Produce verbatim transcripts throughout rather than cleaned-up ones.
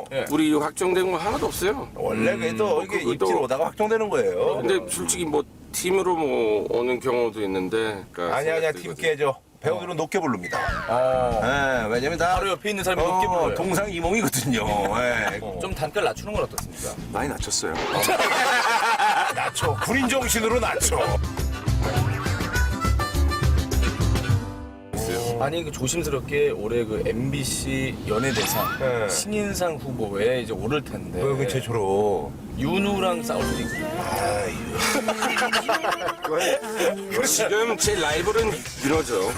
우리 확정된 거 하나도 없어요. 원래 그래도 이게 그것도- 입질 오다가 확정되는 거예요. 근데 솔직히 뭐 팀으로 뭐 오는 경우도 있는데. 그러니까 아니 아니야 생각도 팀 이거지. 깨져. 배우들은 높게 부릅니다. 어. 예, 왜냐면 다 바로 옆에 있는 사람이 높게 불러요. 동상이몽이거든요. 예. 좀 단가를 낮추는 건 어떻습니까? 많이 낮췄어요. 낮춰. 군인 정신으로 낮춰. 아니 그 조심스럽게 올해 그 엠비씨 연예대상 네. 신인상 후보에 이제 오를 텐데 왜 최초로? 윤우랑 싸울 수도 있고. 지금 제 라이벌은 윤호죠.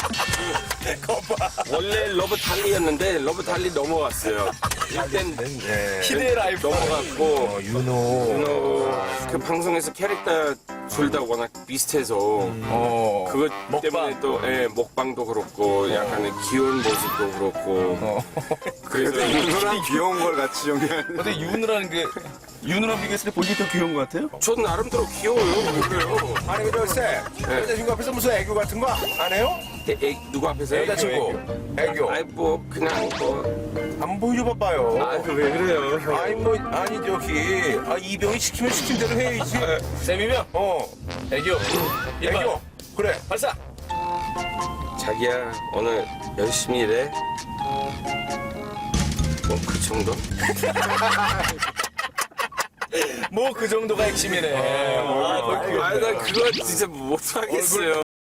원래 러브 달리였는데 러브 달리 넘어갔어요. 일단 네. 희대의 라이브 넘어갔고 어, 윤호. 윤호 그 방송에서 캐릭터 둘 다 워낙 비슷해서 어. 그것 먹방. 때문에 또 예, 먹방도 그렇고 약간의 귀여운 모습도 그렇고 그래서 윤호랑 귀여운 걸 같이 연기하는. 근데 윤우라는 게 윤우랑 비교했을 때 본인이 더 귀여운 것 같아요? 저는 나름대로 귀여워요. 그래요. 아니 근데 쎄 여자친구 앞에서 무슨 애교 같은 거 안 해요? 애, 애, 누구 앞에서요? 여자친구. 애교. 아이 뭐 그냥 뭐 안 보여줘 봐봐요. 아왜 그래요? 아니 뭐 아니 저기 아 이병이 시키면 시킨 대로 해야지. 쌤이면 어 애교. 일반. 애교. 그래. 발사. 자기야 오늘 열심히 일해. 뭐 그 정도? 뭐 그 정도가 핵심이네. 아, 난 그거 진짜 못하겠어요.